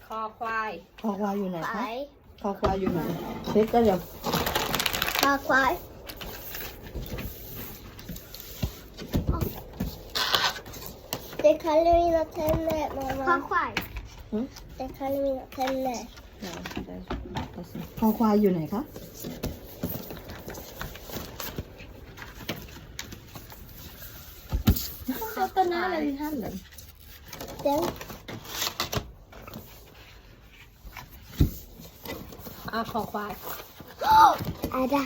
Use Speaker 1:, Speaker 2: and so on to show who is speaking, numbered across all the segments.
Speaker 1: คอควาย
Speaker 2: คอควายอยู่ไหน
Speaker 3: ไป
Speaker 2: คะคอควายอยู่ไหนเช็คก็เดี๋ยว
Speaker 3: คอควายDet kaller mina tänder, mamma. คอควายDet kaller mina tänder.
Speaker 2: คอควายอยู่ไหนคะต้นน้าอะไรท่านเลย
Speaker 3: Den.
Speaker 1: คอควาย
Speaker 3: Är det?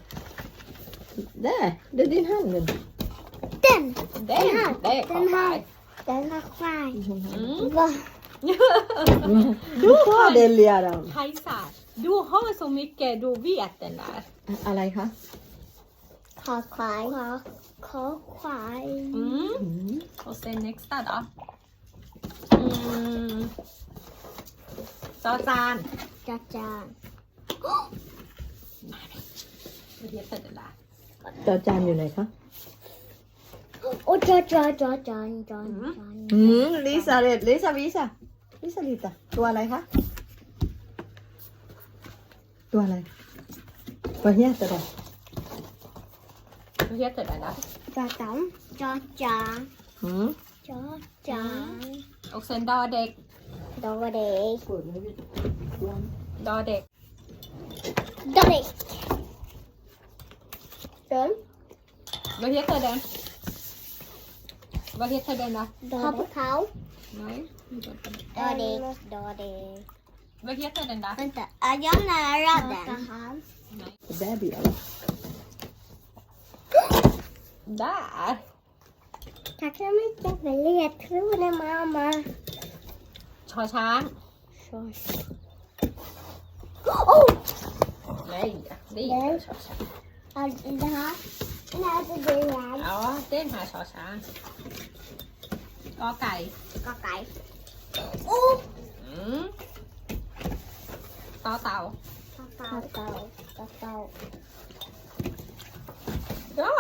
Speaker 2: Där, det är din hand nu.
Speaker 3: Den!
Speaker 1: เด้งเด้งคอควาย
Speaker 3: Den harควาย
Speaker 1: Va?
Speaker 2: Du tar det Liaran.
Speaker 1: ไทยศาสตร์ดูhar så mycket du vet den där
Speaker 2: อะไรคะ
Speaker 3: คอควายคอควาย
Speaker 1: och sen nästa då จอจาน
Speaker 3: จัดจาน
Speaker 1: Vad heter det där
Speaker 2: จอจานอยู่ไหนคะ
Speaker 3: โอ้จาน
Speaker 2: ลิซาเรตลิซาวิซาลิซาลิตาตัวอะไรคะ ตัวอะไรตัวเฮียตัวอะไร
Speaker 1: Vad heter det där
Speaker 3: จาต๋อมจอจาน จอจาน
Speaker 1: och sen ดอเด็ก
Speaker 3: ดอเด็ก
Speaker 1: ดอเด็ก
Speaker 3: ดอเด็กเดิน
Speaker 1: Vad heter den Vad heter den då
Speaker 3: ดอเขา
Speaker 1: Nej
Speaker 3: ดอเด็กดอเด็ก
Speaker 1: Vad heter den då
Speaker 3: Vänta, är jag nära den?
Speaker 1: Nej
Speaker 2: baby eller
Speaker 1: Där
Speaker 3: Tack så mycket för ledtråden mamma.
Speaker 1: ชอช้าง
Speaker 3: Oh!
Speaker 1: Nej det är inteชอช้าง
Speaker 3: Det här. Den här är det här.
Speaker 1: Ja den här ชอช้างกอไก่
Speaker 3: Kakai. Oh!
Speaker 1: ต่อเต่า
Speaker 3: Kakao.
Speaker 1: Ja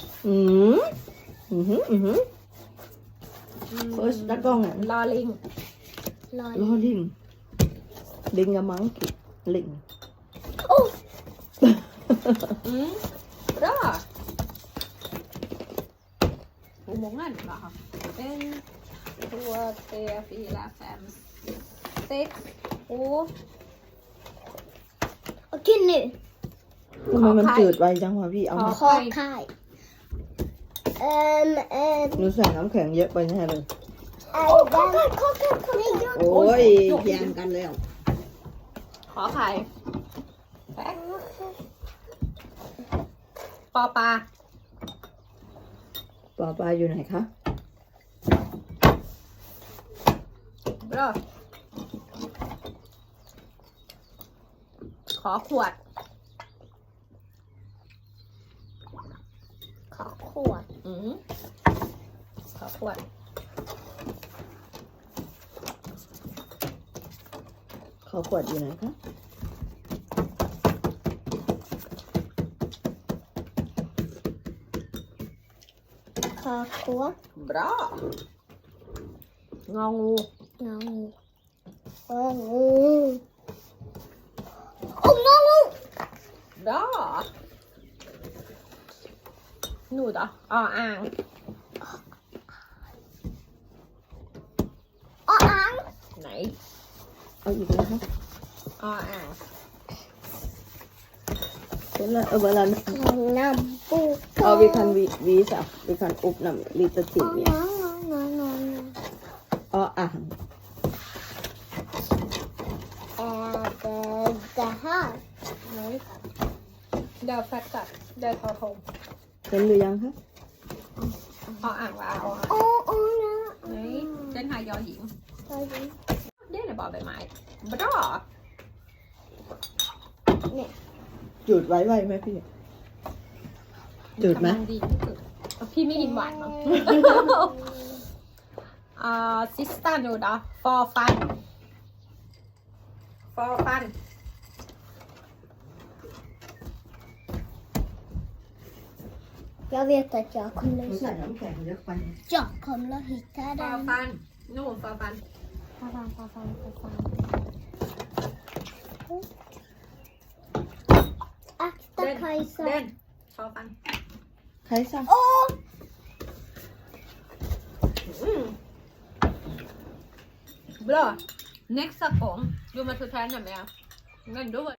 Speaker 2: Först där gången
Speaker 1: ลอลิง
Speaker 2: Lolling Linga monkey Ling
Speaker 3: Oh!
Speaker 1: Bra Hur många nu då? 1, 2, 3, 4, 5, 6, 7
Speaker 3: Okej nu.
Speaker 2: ทำไมมันจืดไวจังวะพี่เอามา
Speaker 3: Kakai.
Speaker 2: หนูใส่น้ำแข็งเยอะไปแน่เลย
Speaker 3: Kakai.
Speaker 2: โอ้ยแย่งกันแล้ว
Speaker 1: ขอไข่แป๊กปอปลา
Speaker 2: ปอปลาอยู่ไหนคะ
Speaker 1: บรอขอขวด ขอขวด
Speaker 2: ขอขวดอยู่ไหนคะ
Speaker 3: Kakao.
Speaker 1: บรององู
Speaker 3: Oh no!
Speaker 1: บรอหนูดอ่ะอ่าง ไหน
Speaker 2: เอาอีกแล้วคะ
Speaker 1: อ่าง
Speaker 2: เสร็จแล้วเวลา
Speaker 3: Nambu.
Speaker 2: เอาvi kan visa vi kan öppna lite till mer
Speaker 3: No.
Speaker 2: อ่าง
Speaker 3: Det här.
Speaker 1: ไหนเดี๋ยวแฟตตัดเดี๋ยวทอทง
Speaker 2: เห็นหรือยังคะ
Speaker 1: อ่างว่าเอาอ่าง
Speaker 3: Oh,
Speaker 1: ไหนเส้นหายอหญิง
Speaker 3: no.
Speaker 1: เดี๋ยวบอกใบไม้บรอ
Speaker 2: จืดไว้ไหมพี่จืดไหม
Speaker 1: กำลังดีที่สุดพี่ไม่กินหวานมั้ง ซิสตาหนูดอฟอร์ฟัน
Speaker 3: Jag vet att jag
Speaker 2: หนู
Speaker 3: kommer
Speaker 2: ใส่น้ำแข็งเยอะไป
Speaker 3: Jag kommer att hitta
Speaker 1: ฟอร์
Speaker 3: den.
Speaker 1: ฟันนู่นฟอร์ฟัน
Speaker 3: F Akta Kajsa.
Speaker 1: Den. Ta fan.
Speaker 2: ใครสั่ง
Speaker 3: Åh!
Speaker 1: Bra. Nästa gång. Du måste träna mer. Men då